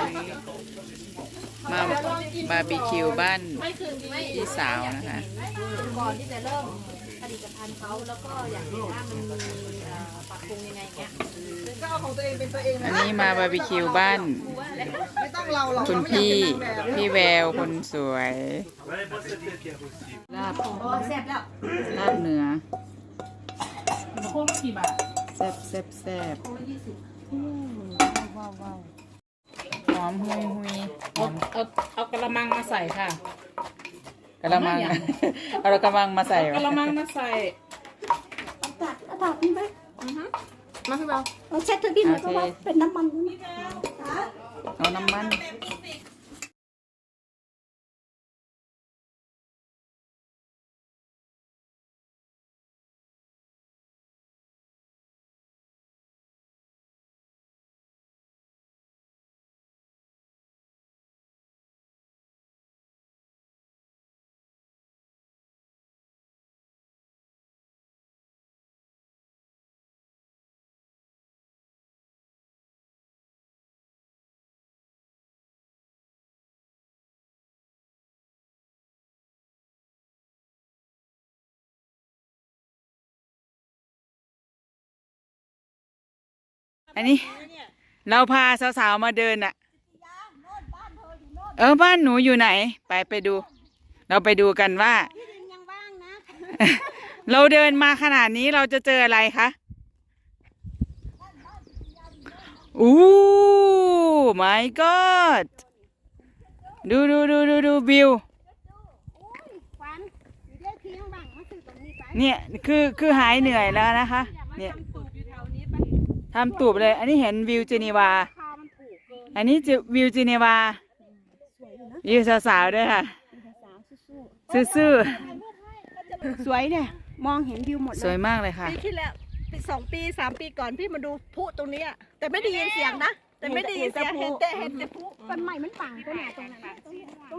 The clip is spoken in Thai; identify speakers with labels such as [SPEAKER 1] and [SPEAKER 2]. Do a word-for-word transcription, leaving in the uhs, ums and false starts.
[SPEAKER 1] มาบาร์บีคิวบ้านพี่สาวนะคะ
[SPEAKER 2] ก่อนที่จะเริ่มผลิตภัณฑ์เขาแล้วก็อยากเห็นว่ามันมีปรับปรุงยังไงเงี้ยก็เอาของตัวเองเป็นตัวเอง
[SPEAKER 1] อันนี้มาบาร์บีคิวบ้านคุณพี่พี่แววคนสวยลาบ
[SPEAKER 2] แซ่บแล้ว
[SPEAKER 1] ลาบเนื้อ
[SPEAKER 3] โค้งกี่บาท
[SPEAKER 1] แซ่บแซ่บแซ่บว้าวว้าวหอมหุยหุย
[SPEAKER 3] เอาเอาเอากระมังมาใส่ค่ะ
[SPEAKER 1] กระมังเอากระมังมาใส่
[SPEAKER 3] กระมังมาใส่
[SPEAKER 2] ตัดเอาตัดนี่ไหมมาพี่เบาเอาเช็ดเธอพี่หน่อยเพราะว่าเป็นน้ำมัน
[SPEAKER 1] เอาน้ำมันอันนี้เราพาสาวๆมาเดินอะเออบ้านหนูอยู่ไหนไปไปดูเราไปดูกันว่าเราเดินมาขนาดนี้เราจะเจออะไรคะอู้ my god ดูดูดูดูดูวิวเนี่ยคือคือหายเหนื่อยแล้วนะคะเนี่ยทำตูบเลยอันนี้เห็นวิวเจนีวาอันนี้วิวเจนีวาวิวสาวๆด้วยค่ะซื่อ
[SPEAKER 2] สวยเนี่ยมองเห็นวิวหมดเลย
[SPEAKER 1] สวยมากเลยค่ะ
[SPEAKER 2] ปีที่แล้วปีสองปีสามปีก่อนพี่มาดูพลุตรงนี้แต่ไม่ได้ยินเสียงนะแต่ไม่ได้ยินเสียงเห็นแต่เห็นแต่พลุมันใหม่มันปังตัวไหนตรงนั้น